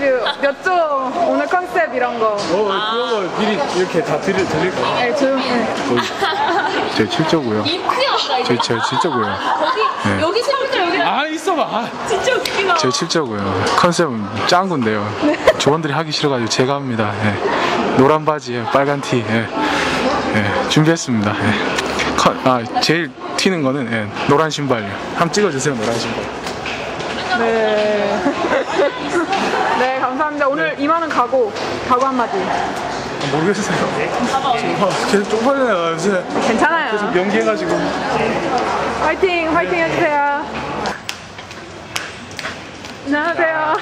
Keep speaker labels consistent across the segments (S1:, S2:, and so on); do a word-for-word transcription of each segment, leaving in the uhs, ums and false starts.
S1: 그 몇 조 오늘 컨셉 이런 거.
S2: 어, 그런 걸 미리 이렇게 다 드릴, 드릴까요?
S1: 네, 조용. 네.
S2: 제 칠 조고요.
S3: 입구였다 이제.
S2: 제 칠 조고요.
S3: 거기
S2: 네.
S3: 여기 컴퓨터 여기.
S2: 아, 있어봐. 아.
S3: 진짜 웃기다.
S2: 제 칠 조고요. 컨셉은 짱구인데요. 조원들이 하기 싫어가지고 제가 합니다. 예. 노란 바지에 빨간 티. 예. 예. 준비했습니다. 예. 컨, 아, 제일 튀는 거는 예. 노란 신발이요. 한번 찍어주세요, 노란 신발.
S1: 네. 네, 감사합니다. 오늘
S2: 네.
S1: 이만 원 가고, 가고 한마디.
S2: 아, 모르겠어요. 아, 계속 쪽팔려요, 요새.
S1: 괜찮아요.
S2: 계속 연기해가지고.
S1: 화이팅, 화이팅 해주세요. 안녕하세요.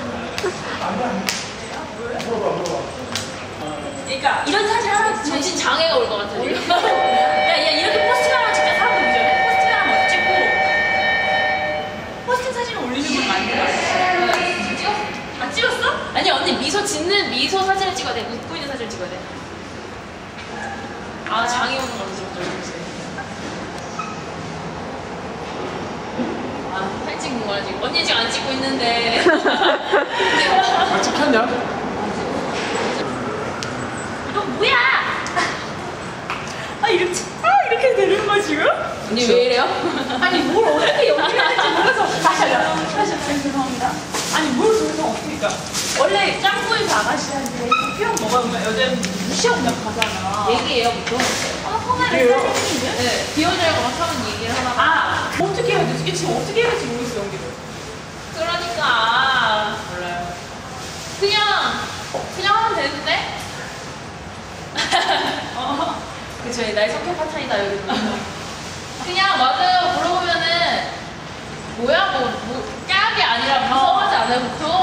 S3: 그러니까 이런 사진 하나 정신 장애가 올 것 같아. 야, 야 이렇게 포스팅 하나 찍자 사람들 보잖아. 포스팅 하나 먼저 찍고 포스팅 사진을 올리는 건 맞는 거 같아. 찍었어? 아 찍었어? 아니 언니 미소 짓는 미소 사진을 찍어야 돼. 웃고 있는 사진을 찍어야 돼. 아 장애 오는 거 어쩌고 저쩌고. 아 사진 찍는 거야 지금. 언니 지금 안 찍고 있는데.
S2: 아, 찍혔냐?
S3: 너 뭐야? 아 이렇게 아 이렇게 되는 거야 지금? 언니 왜 이래요? 아니 뭘 어떻게 연기해야 될지 몰라서 다시 하자 다시 하자 죄송합니다. 아니 뭘 저래서 어떻게 그러니까 원래 짱구에서 아가씨한테 표현 뭐가 오면 여자는 무시하고 그냥 가잖아. 얘기해요 보통. 아 성화를 사진이면? 네 비워줘야고 막 하면 얘기를 하다가 아 어떻게 해야 되지? 지금 어떻게 해야 될지 모르겠어 연기를. 그러니까 몰라요. 그냥 그냥 하면 되는데. 어, 그쵸, 나의 성격 파탄이다, 여기. 그냥, 맞아요. 물어보면은, 뭐야, 뭐, 뭐, 깍이 아니라 무서워하지 않아요? 그거